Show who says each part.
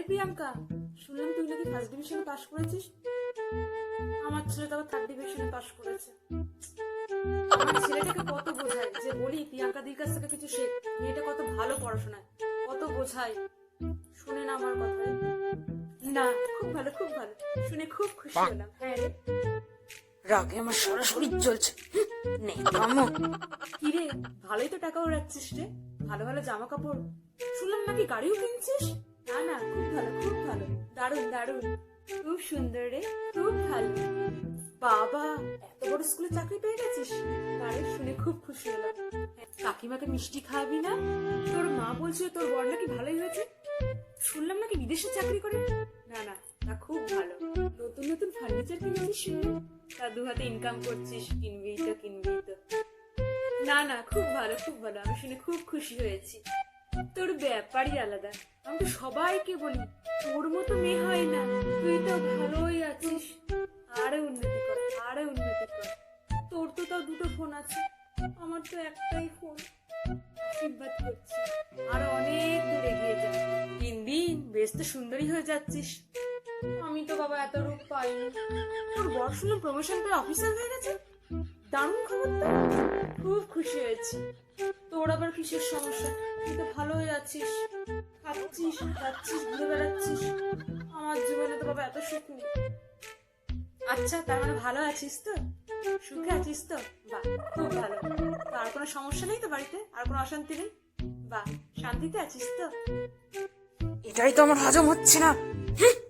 Speaker 1: প্রিয়াঙ্কা, শুনলাম তুই নাকি ফার্স্ট ডিভিশনে পাশ করেছিস। আমার ছেলে তো আবার থার্ড ডিভিশনে পাশ করেছে। আমার ছেলেটাকে কত বোঝায় যে বলি প্রিয়াঙ্কা দির কাছ থেকে কিছু শেখ, মেয়েটা কত ভালো পড়াশোনায়, কত বোঝায়, শুনে না আমার কথা। না, খুব ভালো খুব ভালো, শুনে খুব খুশি হলাম। হ্যাঁ রে, রাগে আমার সারা শরীর জ্বলছে। কিরে, ভালোই তো টাকা ওড়াচ্ছিস রে, ভালো ভালো জামা কাপড়, শুনলাম নাকি গাড়িও কিনছিস। না না, খুব ভালো খুব ভালো, দারুণ দারুণ, খুব সুন্দর রে, খুব ভালো। বাবা, এত বড় স্কুলে চাকরি পেয়ে গেছিস, আরে শুনে খুব খুশি হলাম। কাকিমাকে মিষ্টি খাওয়াবি না? তোর মা বলছিল তোর বর নাকি ভালোই হয়েছে, শুনলাম নাকি বিদেশে চাকরি করে। না না, তা খুব ভালো, নতুন নতুন ফার্নিচার কিনেছিস শুনে, তা দু হাতে ইনকাম করছিস, কিনবি তো কিনবি তো। না না, খুব ভালো খুব ভালো, আমি শুনে খুব খুশি হয়েছি। তোর ব্যাপারই আলাদা, আমি তো সবাইকে বলি তোর মতো মেয়ে হয় না, তুই তো ভালোই আছিস, আরে উন্নতি কর আরে উন্নতি কর। তোর তো তাও দুটো ফোন আছে, আমার তো একটাই ফোন। আশীর্বাদ করছি আরো অনেক দূর এগিয়ে যা, দিন দিন বেশ তো সুন্দরী হয়ে যাচ্ছিস। আমি তো বাবা এত রূপ পাইনি। তোর বর শুনলাম প্রমোশন পেয়ে অফিসার হয়ে গেছে, দারুণ খবর তো, খুব খুশি হয়েছি। তোর আবার কিসের সমস্যা, তুই তো ভালোই আছিস, খাচ্ছিস যাচ্ছিস ঘুরে বেড়াচ্ছিস, আমার জীবনে তো বাবা এত সুখ নেই। আচ্ছা, তার মানে ভালো আছিস তো, সুখে আছিস তো, বাহ খুব ভালো। তো আর কোনো সমস্যা নেই তো বাড়িতে, আর কোনো অশান্তি নেই, বাহ শান্তিতে আছিস তো। এটাই তো আমার হজম হচ্ছে না।